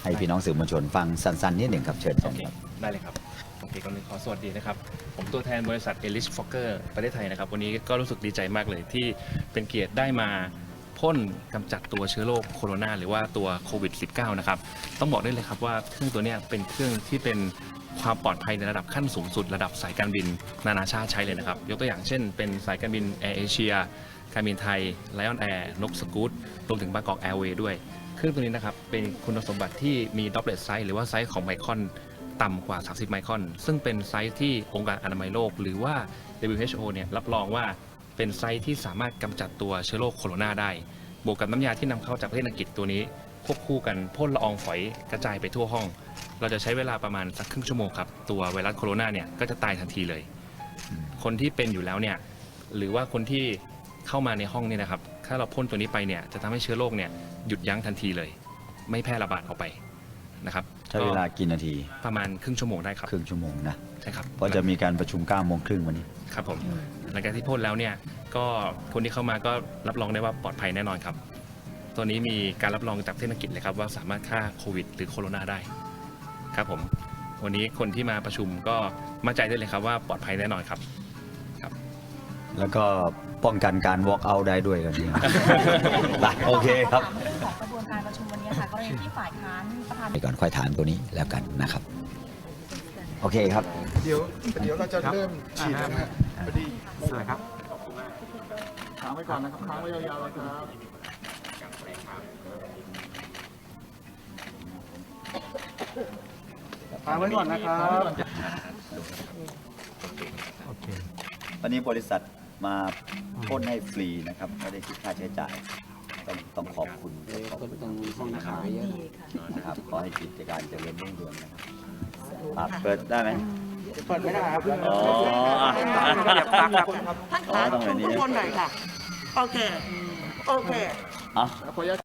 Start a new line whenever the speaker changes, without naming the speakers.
ให้พี่น้องสื่อมวลชนฟังสั้นๆนิดหนึ่งครับเชิญ
โอเค
ครับ
ได้เลยครับโอเคก่อนอื่นขอสวัสดีนะครับผมตัวแทนบริษัท Elish Fokker ประเทศไทยนะครับวันนี้ก็รู้สึกดีใจมากเลยที่เป็นเกียรติได้มาพ่นกำจัดตัวเชื้อโรคโคโรนาหรือว่าตัวโควิด -19 นะครับต้องบอกได้เลยครับว่าเครื่องตัวนี้เป็นเครื่องที่เป็นความปลอดภัยในระดับขั้นสูงสุดระดับสายการบินนานาชาติใช้เลยนะครับยกตัวอย่างเช่นเป็นสายการบินแอร์เอเชียการบินไทยไลออนแอร์นกสกู๊ตรวมถึงบางกอกแอร์เวย์ด้วยเครื่องตัวนี้นะครับเป็นคุณสมบัติที่มีดอปเลตไซส์หรือว่าไซส์ของไมครอนต่ำกว่า 30 ไมครอนซึ่งเป็นไซส์ที่องค์การอนามัยโลกหรือว่า WHO เนี่ยรับรองว่าเป็นไซส์ที่สามารถกำจัดตัวเชื้อโรคโคโรนาได้บวกกับน้ำยาที่นำเข้าจากประเทศอังกฤษตัวนี้ควบคู่กันพ่นละอองฝอยกระจายไปทั่วห้องเราจะใช้เวลาประมาณสักครึ่งชั่วโมงครับตัวไวรัสโคโรนาเนี่ยก็จะตายทันทีเลยคนที่เป็นอยู่แล้วเนี่ยหรือว่าคนที่เข้ามาในห้องเนี่ยนะครับถ้าเราพ่นตัวนี้ไปเนี่ยจะทำให้เชื้อโรคเนี่ยหยุดยั้งทันทีเลยไม่แพร่ระบาดออกไปนะครับ
ใช้เวลากี่นาที
ประมาณครึ่งชั่วโมงได้ครับ
ครึ่งชั่วโมงนะ
ใช่ครับ
เพราะจะมีการประชุม9 โมงครึ่งวันนี้
ครับผมหลังจากที่พ่นแล้วเนี่ยก็คนที่เข้ามาก็รับรองได้ว่าปลอดภัยแน่นอนครับตัวนี้มีการรับรองจากประเทศอังกฤษเลยครับว่าสามารถฆ่าโควิดหรือโคโรนาได้ครับผมวันนี้คนที่มาประชุมก็มั่นใจได้เลยครับว่าปลอดภัยแน่นอนครับ
แล้วก็ป้องกันการ walk out ได้ด้วยกันนี้ โอเคครับ
เรื่องของกระบวนการประชุมวันนี้ค่ะกรณีที่ฝ่ายค้านประธาน
ไปก่อนค่อยถามตัวนี้แล้วกันนะครับ โอเคครับ
เดี๋ยวเราจะเริ่มฉีดแล้วนะฮะพอดี
สวัสดีครับ
ค้างไว้ก่อนนะครับค้างไว้ยาวๆเลยครับค้างไว้ก่อนนะครับ
โอเค
วันนี้บริษัทมาพ่นให้ฟรีนะครับไม่ได้คิดค่าใช้จ่าย ต้องขอบคุณขอบคุณนะครับขอให้กิจการเจริญรุ่งเรืองนะครับเปิดได้ไหม
เปิดไม่ได้ครับ
อ๋อ
ท่านครับ
อ๋อต้องแบบนี้
ทุกคนหน่อยค่ะ โอเค โอเค
อ่ะ
ขออนุญาต